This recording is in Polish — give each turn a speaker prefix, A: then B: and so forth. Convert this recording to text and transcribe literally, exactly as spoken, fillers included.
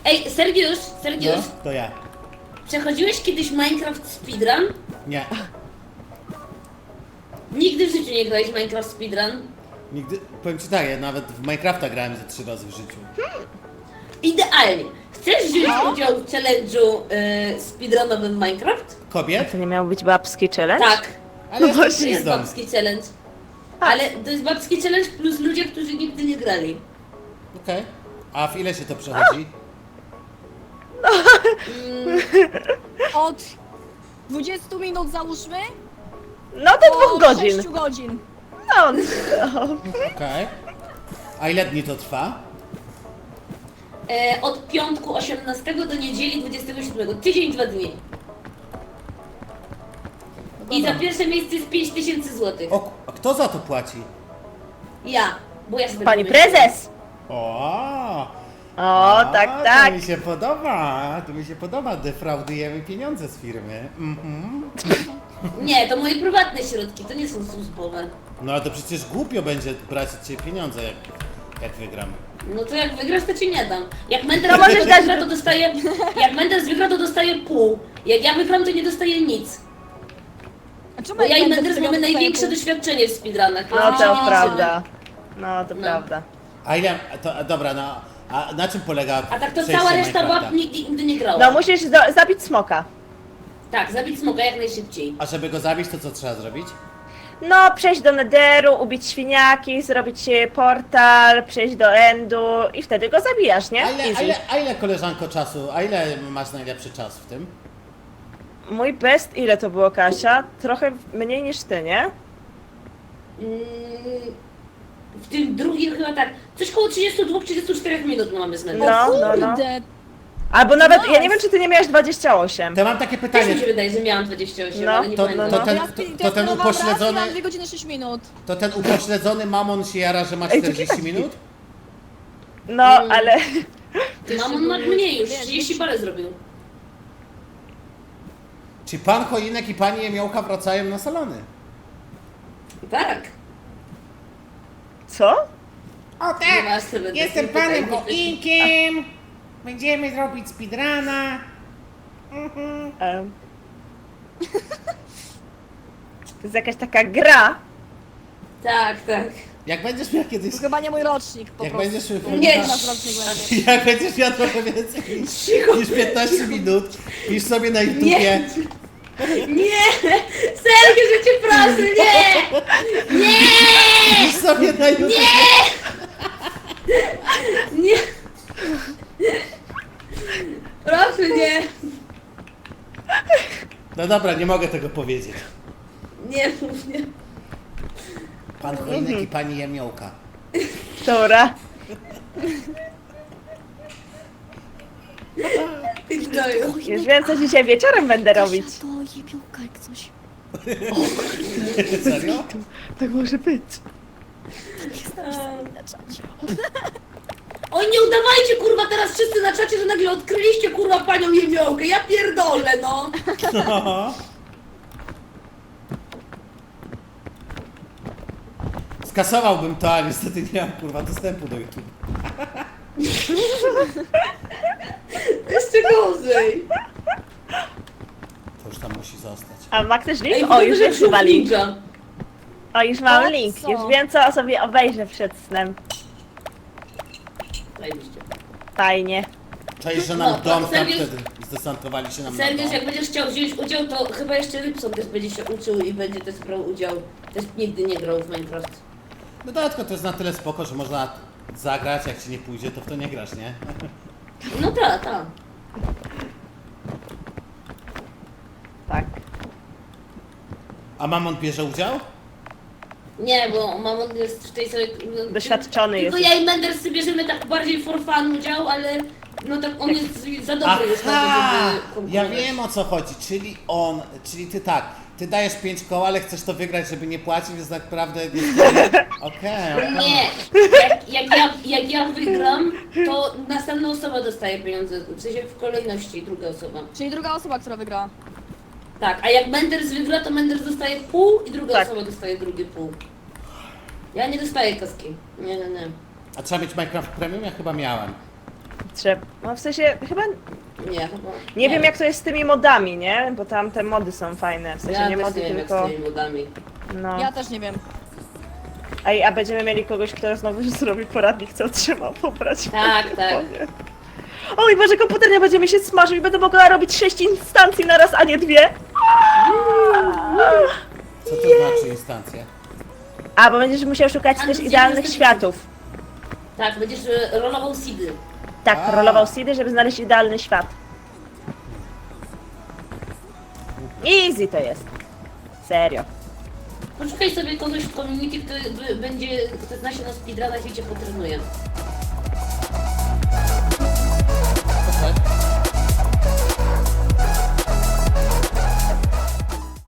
A: Ej, Sergiusz, Sergiusz,
B: No, to ja.
A: przechodziłeś kiedyś Minecraft Speedrun?
B: Nie.
A: Nigdy w życiu nie grałeś w Minecraft Speedrun?
B: Nigdy, powiem ci tak, ja nawet w Minecrafta grałem ze trzy razy w życiu.
A: Idealnie. Chcesz wziąć udział w challenge'u y, speedrunowym Minecraft?
B: Kobiet?
C: To nie miał być babski challenge?
A: Tak,
B: Ale
C: No
B: no
C: właśnie.
A: to jest babski challenge. Ale to jest babski challenge plus ludzie, którzy nigdy nie grali.
B: Okej. A w ile się to przechodzi?
D: Od dwudziestu minut załóżmy
C: No do
D: do
C: dwóch godzin.
D: sześciu godzin.
C: No, no.
B: Okej. A ile dni to trwa?
A: E, od piątku osiemnastego do niedzieli dwudziestego siódmego. Tydzień, dwa dni. I za pierwsze miejsce jest pięć tysięcy złotych.
B: O, a kto za to płaci?
A: Ja, bo ja sobie
C: Pani
A: wymyśliłam.
C: prezes!
B: O,
C: O,
B: a,
C: tak,
B: To
C: tak.
B: mi się podoba, to mi się podoba, defraudujemy pieniądze z firmy. Mhm.
A: Nie, to moje prywatne środki, to nie są służbowe.
B: No ale to przecież głupio będzie brać od ciebie pieniądze, jak, jak wygram.
A: No to jak wygrasz, to ci nie dam. Jak Menders
C: To możesz dać-
A: wygra, to dostaje... Jak Menders wygra, to dostaje pół. Jak ja wygram, to nie dostaję nic.
D: A czemu
A: Bo ja i
D: jak
A: Menders
D: będę
A: mamy
D: sobie
A: największe
D: odstaję
A: doświadczenie w speedrunach.
C: No
A: więc
C: to
A: się nie
C: prawda. No to
A: No.
C: prawda.
B: A ile, to, a dobra, no, a na czym polega
A: A tak to
B: przejście
A: cała reszta
B: Minecrafta?
A: bab nigdy, nigdy nie grała.
C: No musisz do, zabić smoka.
A: Tak, zabić smoka jak najszybciej.
B: A żeby go zabić, to co trzeba zrobić?
C: No, przejść do Netheru, ubić świniaki, zrobić e, portal, przejść do Endu i wtedy go zabijasz, nie?
B: A ile, a
C: Easy.
B: ile, a ile koleżanko czasu, a ile masz najlepszy czas w tym?
C: Mój best, ile to było, Kasia? Trochę mniej niż ty, nie?
A: Mm, w tym drugim chyba tak, coś koło trzydziestu dwóch trzydziestu czterech minut mamy z Mendersem.
C: No,
D: O
C: no, no.
D: kurde,
C: Albo nawet, ja nie
D: Nice.
C: wiem, czy ty nie miałeś dwadzieścia osiem.
B: To mam takie
A: Też
B: pytanie,
A: mi się wydaje, że miałam dwadzieścia osiem,
C: No,
A: ale nie
B: to-
A: pamiętam.
B: to
D: no
B: ten-
D: ja,
B: to-
D: to,
B: to ten upośledzony-
D: Mam dwie godziny sześć minut.
B: to ten upośledzony mamon się jara, że ma
C: Ej, to
B: czterdzieści
C: taki-
B: minut?
C: No,
A: Mm.
C: ale...
A: Mamon ma mniej już,
D: Wiesz,
A: trzydzieści parę zrobił.
B: Czy pan Cholinek i pani Jemiołka wracają na salony?
A: Tak.
C: Co?
E: O
A: Nie
E: tak,
A: masz sobie
E: jestem
A: takiej
E: panem
A: pytań.
E: Choinkiem. Będziemy zrobić speedruna.
C: Em. To jest jakaś taka gra.
A: Tak, tak.
B: Jak będziesz miał kiedyś...
D: To chyba nie mój rocznik po
B: Jak
D: prostu.
B: będziesz
A: Nie.
D: Nasz rocznik będzie.
B: Jak będziesz miał trochę więcej niż, niż piętnaście minut, pisz sobie na YouTubie.
A: Nie. Nie! Sergiu, że cię proszę, nie! Nie!
B: Pisz sobie na YouTubie.
A: Nie! Proszę, nie!
B: No dobra, nie mogę tego powiedzieć.
A: Nie mów, nie.
B: Pan Cholinek i pani Jemiołka.
C: Dobra.
A: Ty gnoju.
C: Już wiem, co dzisiaj wieczorem będę robić.
D: To jebiołka jak coś.
B: Serio?
C: Tak może być.
D: Na czacie.
A: Oj, nie udawajcie, kurwa, teraz wszyscy na czacie, że nagle odkryliście, kurwa, panią Jemiołkę. Ja pierdolę, no.
B: No. Skasowałbym to, ale niestety nie mam kurwa dostępu do YouTube.
A: Jeszcze gorzej.
B: To już tam musi zostać.
C: A ma ktoś
A: Ej,
C: link? O, już jest chyba link.
A: ninja.
C: O, już mam
D: O,
C: link.
D: co?
C: Już wiem, co sobie obejrzę przed snem.
A: Zajebiście.
C: Fajnie.
B: Czaisz, że
A: No,
B: nam
A: to
B: dom tam
A: Sergiusz-
B: wtedy zdesantowali się nam na
A: Sergiusz,
B: dom.
A: jak będziesz chciał wziąć udział, to chyba jeszcze Rybson też będzie się uczył i będzie też brał udział. Też nigdy nie grał w Minecraft.
B: No dodatkowo to jest na tyle spoko, że można zagrać, jak ci nie pójdzie, to w to nie grasz, nie?
A: No tak, tak.
C: Tak.
B: A Mamon bierze udział?
A: Nie, bo Mamon jest w tej samej...
C: Doświadczony
A: Tylko
C: jest.
A: ja i Menders bierzemy tak bardziej for fun udział, ale no tak on jest za dobry już na to,
B: Aha!
A: żeby
B: Ja
A: konkurować.
B: wiem, o co chodzi, czyli on, czyli ty tak, ty dajesz pięć koła, ale chcesz to wygrać, żeby nie płacić, więc tak naprawdę... Okej, okej.
A: Nie, jak, jak, ja, jak ja wygram, to następna osoba dostaje pieniądze, w sensie w kolejności druga osoba.
D: Czyli druga osoba, która wygrała.
A: Tak, a jak Menders wygra, to Menders dostaje pół i druga
C: Tak.
A: osoba dostaje drugie pół. Ja nie dostaję kaski. Nie, nie, nie.
B: A trzeba mieć Minecraft Premium? Ja chyba miałem.
C: Trzeba, no w sensie chyba
A: Nie, chyba.
C: nie wiem jak to jest z tymi modami, nie? Bo tam te mody są fajne, w sensie
A: Ja
C: nie
A: też
C: mody,
A: nie wiem, jak
C: tylko
A: z tymi modami.
C: no.
D: Ja też nie wiem.
C: Ej, a będziemy mieli kogoś, kto znowu zrobi poradnik, co trzeba pobrać. w
A: Tak, tak.
C: telefonie. Oj, Boże, komputer nie będzie mi się smażył i będę mogła robić sześć instancji na raz, a nie dwie.
B: Co to znaczy instancja?
C: A, bo będziesz musiał szukać
A: A,
C: też
A: no,
C: idealnych
A: gdzie
C: światów.
A: Tak, będziesz e, rolował seedy.
C: Tak,
B: A.
C: rolował seedy, żeby znaleźć idealny świat. Easy to jest. Serio.
A: Poszukaj sobie kogoś w community, kto by- będzie, kto zna się na speedrunach i cię potrenuje.